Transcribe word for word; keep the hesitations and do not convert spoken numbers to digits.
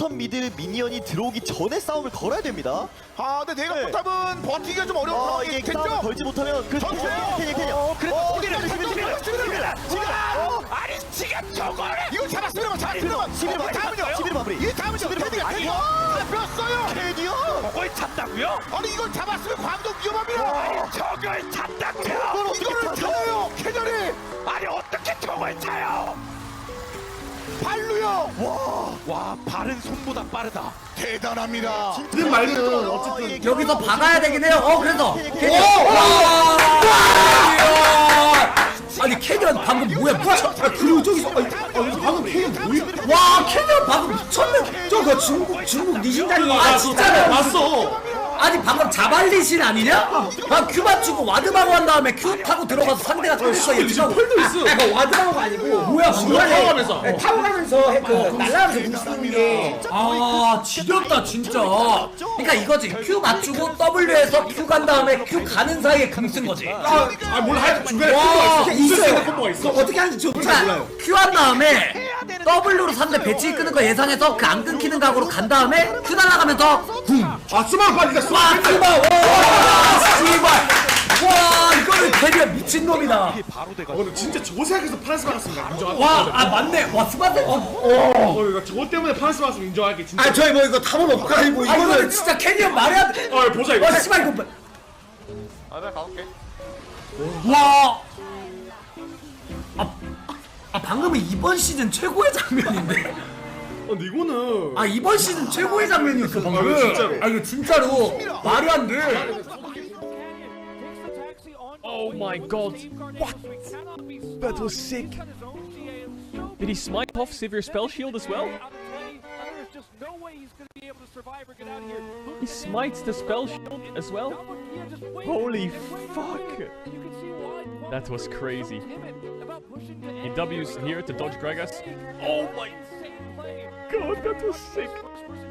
바텀 미드 미니언이 들어오기 전에 싸움을 걸어야 됩니다. 아, 근데 내가 네. 포탑은 버티기가 좀 어려운 아, 상황이 이게 싸움을 됐죠? 걸지 못하면 그 전투예요! 캐니어 캐니어 어, 그래도 어, 시비를 지금, 시비를 지금, 시비를 지금, 시비를 어, 아니 지금 저거를 이거 잡았으면 잡았으면 시비를 이 마무리 다음은요? 시비를 마무리 이 다음은요? 시비를 캐디가 마무리. 캐디가 잡혔어요! 캐니어 저걸 잡다고요? 아니 이걸 잡았으면 광동 위험합니다! 아니 저걸 잡다고요? 이거를 타요! 캐년이! 아니 어떻게 저걸 차요? 발로요! 와 발은 손보다 빠르다. 대단합니다! 그 말은 어, 어쨌든 이게 여기서 박아야 되긴 해요. 어 그래서 캐니어, 오! 캐니어. 와! 아니 캐년 방금 뭐야 미쳤? 아 그리고 저기서 아, 아, 방금 캐년 뭐야? 와 캐년 방금 미쳤네. 저거 중국 중국 니신자인 거 아 진짜요? 봤어. 아니 방금 자발리신 아니냐? 방 큐 맞추고 와드방어 한 다음에 큐 타고 들어가서 상대가 졌어. 얘 지금 펄도 있어. 아, 그 와드방어가 아니고 뭐야 중간 방금? 타워가면서. 네, 타고 가면서 그 날아가면서 무시하는 게 아 지겹다 진짜. 그러니까 이거지 큐 맞추고 W에서 큐 간 다음에 큐 가는 사이에 금 쓴 거지. 아 몰라 하여튼 중간에 와, 콤보가 있어. 있어요. 있어요. 콤보가 있어. 어떻게 하는지 저도 잘 몰라요. 큐 한 다음에 W로 상대 배치 끄는 거 예상해서 그 안 끊기는 각오로 간 다음에 큐 날아가면서 궁. 아 수만 빨리 가 와 수만. 씨발 와 씨발 와 이거는 캐리어 미친놈이다. 바로 돼가. 어 근데 진짜 저거 생각해서 파란스 받았습니다. 인정할게. 와 아 맞네 와 스마트 어, 어. 어 이거 저거 때문에 파란스 받았으면 인정할게 진짜. 아 저희 뭐 이거 탐험 없고 뭐 아 이거는 이거는 진짜 캐리어 말해야 돼. 어 보자 이거. 와 씨발 이거 봐. 아 내가 가볼게 와. 아, 아 방금은 이번 시즌 최고의 장면인데. 어 근데 이거는 아 이번 시즌 최고의 장면이었어 방금. 아, 이거 진짜로. 아 이거 진짜로 말이 안 돼. Oh my god. What? That was sick. Did he smite off Sivir spell shield as well? He smites the spell shield as well? Holy fuck. That was crazy. He W's here to dodge Gragas. Oh my god, that was sick.